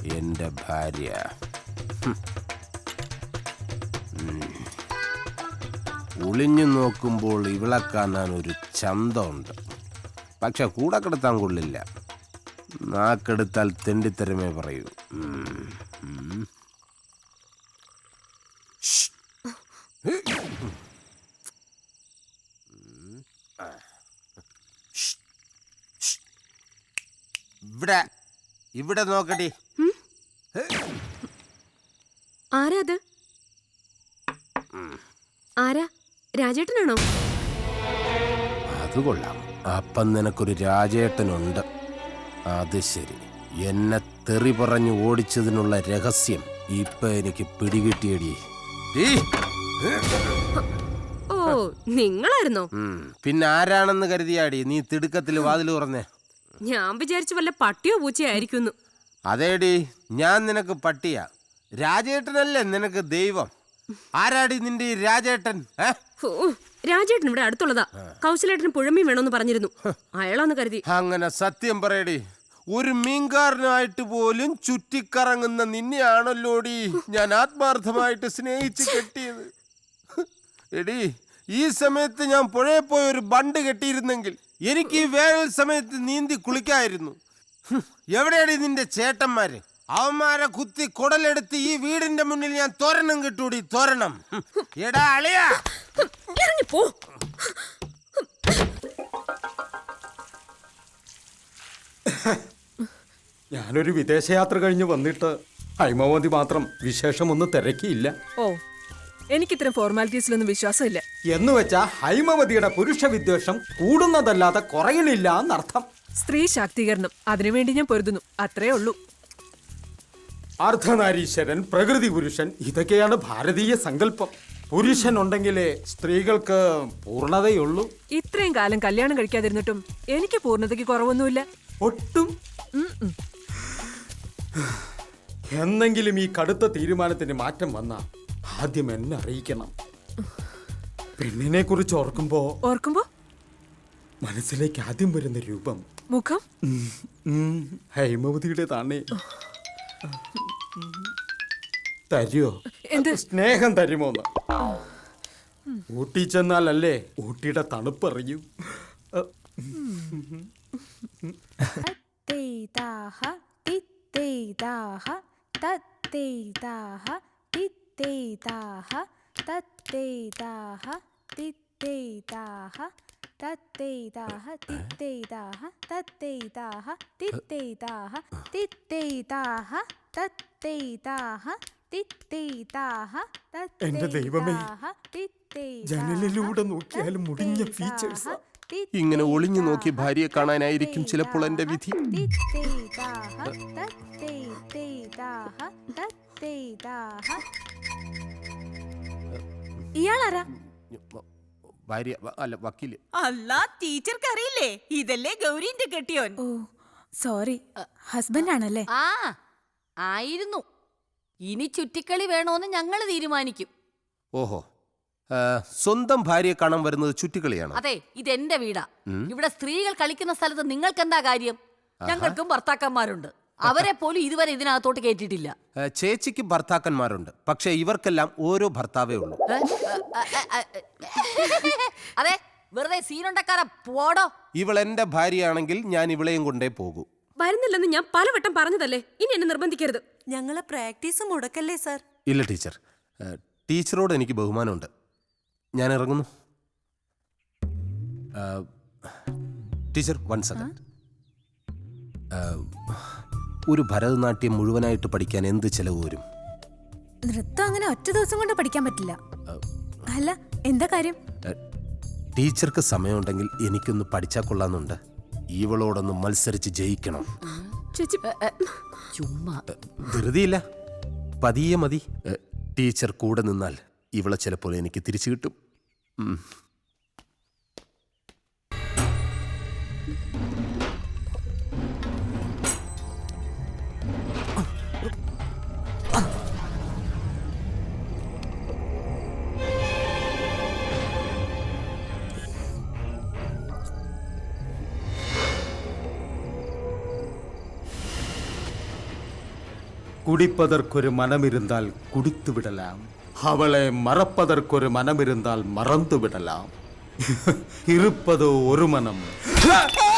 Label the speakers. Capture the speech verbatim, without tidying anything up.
Speaker 1: എന്റെ ഭാര്യ. ഒളിഞ്ഞു നോക്കുമ്പോൾ ഇവളെ കാണാൻ ഒരു ചന്തമുണ്ട്. പക്ഷെ കൂടെ കിടത്താൻ കൊള്ളില്ല. നാക്കെടുത്താൽ തെണ്ടിത്തരമേ പറയൂ. ഇവിടെ ഇവിടെ നോക്കടി.
Speaker 2: ആരാ അത്? ആരാ? രാജേട്ടനാണോ?
Speaker 1: അത് കൊള്ളാം. അപ്പം നിനക്കൊരു രാജേട്ടനുണ്ട്. അത് ശരി. എന്നെ തെറി പറഞ്ഞു ഓടിച്ചതിനുള്ള രഹസ്യം ഇപ്പൊ എനിക്ക് പിടികിട്ടിയടി.
Speaker 2: ഓ, നിങ്ങളായിരുന്നോ?
Speaker 1: പിന്നെ ആരാണെന്ന് കരുതിയാടി നീ തിടുക്കത്തിൽ വാതിൽ തുറന്നേ?
Speaker 2: ഞാൻ വിചാരിച്ചു വല്ല പട്ടിയോ പൂച്ചയോ ആയിരിക്കുന്നു.
Speaker 1: അതേടി, ഞാൻ നിനക്ക് പട്ടിയാ. രാജേട്ടനല്ലേ നിനക്ക് ദൈവം. ആരാടി നിന്റെ ഈ രാജേട്ടൻ?
Speaker 2: രാജേട്ടൻ ഇവിടെ അടുത്തുള്ളതാ. കൗശലേട്ടന് പുഴമീൻ വേണമെന്ന് പറഞ്ഞിരുന്നു. അയാളാന്ന് കരുതി.
Speaker 1: അങ്ങനെ സത്യം പറയടി. ഒരു മീൻകാരനായിട്ട് പോലും ചുറ്റിക്കറങ്ങുന്ന നിന്നെയാണല്ലോടി ഞാൻ ആത്മാർത്ഥമായിട്ട് സ്നേഹിച്ച് കെട്ടിയത്. എടി, ഈ സമയത്ത് ഞാൻ പുഴയിൽ പോയി ഒരു ബണ്ട് കെട്ടിയിരുന്നെങ്കിൽ എനിക്ക് ഈ വേനൽ സമയത്ത് നീന്തി കുളിക്കായിരുന്നു. എവിടെയാടി നിന്റെ ചേട്ടന്മാര്? അവന്മാരെ കുത്തി കുടലെടുത്ത് ഈ വീടിന്റെ മുന്നിൽ ഞാൻ തോരണം കിട്ടൂടി, തോരണം. എടാ അളിയാ,
Speaker 2: ഇറങ്ങിപ്പോ.
Speaker 3: ഞാനൊരു വിദേശയാത്ര കഴിഞ്ഞ് വന്നിട്ട് ഹൈമവതി മാത്രം വിശേഷമൊന്നും തിരക്കിയില്ല.
Speaker 4: ഓ, എനിക്കിത്തരം ഫോർമാലിറ്റീസിലൊന്നും വിശ്വാസമില്ല.
Speaker 3: എന്ന് വെച്ചാ ഹൈമവതിയുടെ പുരുഷ വിദ്വേഷം കൂടുന്നതല്ലാതെ കുറയണില്ല എന്നർത്ഥം.
Speaker 4: സ്ത്രീ ശാക്തീകരണം, അതിനുവേണ്ടി ഞാൻ പൊരുതുന്നു, അത്രേ ഉള്ളൂ.
Speaker 3: അർദ്ധനാരീശ്വരൻ, പ്രകൃതി പുരുഷൻ, ഇതൊക്കെയാണ് ഭാരതീയ സങ്കല്പം. പുരുഷൻ ഉണ്ടെങ്കിലേ സ്ത്രീകൾക്ക് പൂർണ്ണതയുള്ളൂ.
Speaker 4: ഇത്രയും കാലം കല്യാണം കഴിക്കാതിരുന്നിട്ടും എനിക്ക് പൂർണ്ണതയ്ക്ക് കുറവൊന്നുമില്ല.
Speaker 3: ഒട്ടും. എന്നെങ്കിലും ഈ കടുത്ത തീരുമാനത്തിന് മാറ്റം വന്ന ആദ്യം എന്നെ അറിയിക്കണം. പെണ്ണിനെ കുറിച്ച് ഓർക്കുമ്പോ
Speaker 4: ഓർക്കുമ്പോ
Speaker 3: മനസ്സിലേക്ക് ആദ്യം വരുന്ന രൂപം,
Speaker 4: മുഖം
Speaker 3: ഹൈമവതിയുടെ താണേ. തരുമോ?
Speaker 4: എന്ത്?
Speaker 3: സ്നേഹം തരുമോന്ന്. ഊട്ടി ചെന്നാലല്ലേ ഊട്ടിയുടെ തണുപ്പറിയൂ. എന്റെ ദൈവമേ, ജനലിലൂടെ നോക്കിയാലും മുടിഞ്ഞ ഫീച്ചേഴ്സ്.
Speaker 1: ഇങ്ങനെ ഒളിഞ്ഞു നോക്കി ഭാര്യയെ കാണാനായിരിക്കും ചിലപ്പോൾ എന്റെ വിധി.
Speaker 2: ഇയാളാരാ?
Speaker 1: ഭാര്യ അല്ല, വക്കീല്.
Speaker 5: അല്ല, ടീച്ചർക്ക് അറിയില്ലേ? ഇതല്ലേ ഗൗരിന്റെ കെട്ടിയോൻ.
Speaker 6: ഓ സോറി, ഹസ്ബൻഡ് ആണല്ലേ?
Speaker 7: ആ ആയിരുന്നു. ഇനി ചുറ്റിക്കളി വേണോന്ന് ഞങ്ങൾ തീരുമാനിക്കും.
Speaker 1: ഓഹോ, സ്വന്തം ഭാര്യയെ കാണാൻ വരുന്നത് ചുറ്റിക്കളിയാണ്?
Speaker 7: അതെ, ഇതെന്റെ വീടാ. ഇവിടെ സ്ത്രീകൾ കളിക്കുന്ന സ്ഥലത്ത് നിങ്ങൾക്ക് എന്താ കാര്യം? ഞങ്ങൾക്കും ഭർത്താക്കന്മാരുണ്ട്. അവരെ പോലും ഇതുവരെ ഇതിനകത്തോട്ട് കേട്ടിട്ടില്ല.
Speaker 1: ചേച്ചിക്ക് ഭർത്താക്കന്മാരുണ്ട്, പക്ഷെ ഇവർക്കെല്ലാം ഓരോ ഭർത്താവേ ഉള്ളൂ.
Speaker 7: അതെ, വെറുതെ സീനുണ്ടക്കാര പോടോ.
Speaker 1: ഇവൾ എന്റെ ഭാര്യയാണെങ്കിൽ ഞാൻ ഇവളെയും കൊണ്ടേ പോകൂ.
Speaker 2: വരുന്നില്ലെന്ന് ഞാൻ പലവട്ടം പറഞ്ഞതല്ലേ, ഇനി എന്നെ നിർബന്ധിക്കരുത്.
Speaker 5: ഞങ്ങളെ പ്രാക്ടീസ് മുടക്കല്ലേ സാർ?
Speaker 1: ഇല്ല ടീച്ചർ, ടീച്ചറോട് എനിക്ക് ബഹുമാനമുണ്ട്. ഞാൻ ഇറങ്ങുന്നു. Teacher, one second. ഒരു ഭരതനാട്യം മുഴുവനായിട്ട് പഠിക്കാൻ എന്ത് ചെലവ് വരും?
Speaker 6: നൃത്തം അങ്ങനെ ഒറ്റ ദിവസം കൊണ്ട് പഠിക്കാൻ പറ്റില്ല. അല്ല, എന്താ കാര്യം?
Speaker 1: ടീച്ചർക്ക് സമയമുണ്ടെങ്കിൽ എനിക്കൊന്ന് പഠിച്ചാൽ കൊള്ളാന്നുണ്ട്. ഇവളോടൊന്ന് മത്സരിച്ച് ജയിക്കണം.
Speaker 7: ചുമ്മാ
Speaker 1: ധൃതിയില്ല, പതിയെ മതി. ടീച്ചർ കൂടെ നിന്നാൽ ഇവളെ ചിലപ്പോൾ എനിക്ക് തിരിച്ചു കിട്ടും.
Speaker 3: குடிப்பதற்கொரு மனம் இருந்தால் குடித்து விடலாம், அவளை மறப்பதற்கொரு மனம் இருந்தால் மறந்து விடலாம். இருப்பதோ ஒரு மனம்.